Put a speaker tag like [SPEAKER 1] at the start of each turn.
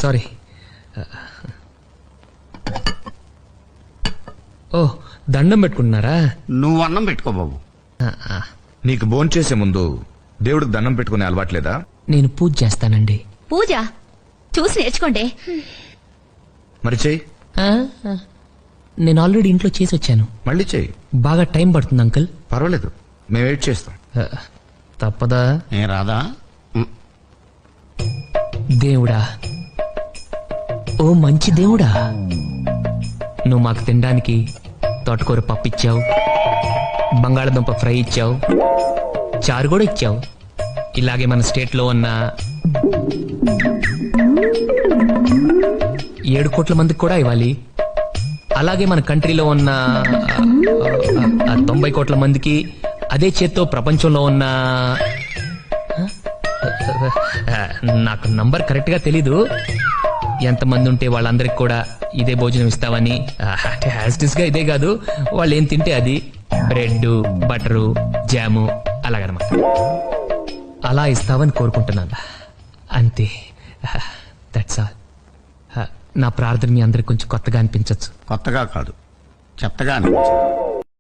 [SPEAKER 1] Sorry. ఓ, దండం పెట్టుకుంటున్నారా?
[SPEAKER 2] నువ్వు అన్నం పెట్టుకో బాబు.
[SPEAKER 3] నీకు భోంచేసే ముందు దేవుడికి దండం పెట్టుకునే అలవాట్లేదా?
[SPEAKER 1] నేను పూజ చేస్తానండి.
[SPEAKER 4] పూజ చూసి నేర్చుకోండి.
[SPEAKER 3] మరి చెయ్యి.
[SPEAKER 1] నేను ఆల్రెడీ ఇంట్లో చేసి వచ్చాను.
[SPEAKER 3] మళ్ళీ చెయ్యి.
[SPEAKER 1] బాగా టైం పడుతుంది అంకుల్.
[SPEAKER 3] పర్వాలేదు, మేము వెయిట్ చేస్తాం.
[SPEAKER 1] తప్పదా?
[SPEAKER 2] ఏ రాదా?
[SPEAKER 1] దేవుడా, ఓ మంచి దేవుడా, నువ్వు మాకు తినడానికి తోటకూర పప్పు ఇచ్చావు, బంగాళదుంప ఫ్రై ఇచ్చావు, చారు కూడా ఇచ్చావు. ఇలాగే మన స్టేట్లో ఉన్న 7 కోట్ల మందికి కూడా ఇవ్వాలి. అలాగే మన కంట్రీలో ఉన్న 90 కోట్ల మందికి, అదే చేత్తో ప్రపంచంలో ఉన్న నాకు నంబర్ కరెక్ట్ గా తెలీదు, ఎంతమంది ఉంటే వాళ్ళందరికి కూడా ఇదే భోజనం ఇస్తావని. యాస్టిస్ గా ఇదే కాదు, వాళ్ళు ఏం తింటే అది, బ్రెడ్, బటరు, జాము అలాగనమాట. అలా ఇస్తావని కోరుకుంటున్నాను, అంతే. That's all. నా ప్రార్థన మీ అందరికి కొంచెం కొత్తగా అనిపించవచ్చు.
[SPEAKER 2] కొత్తగా కాదు, చెత్తగా అనిపించింది.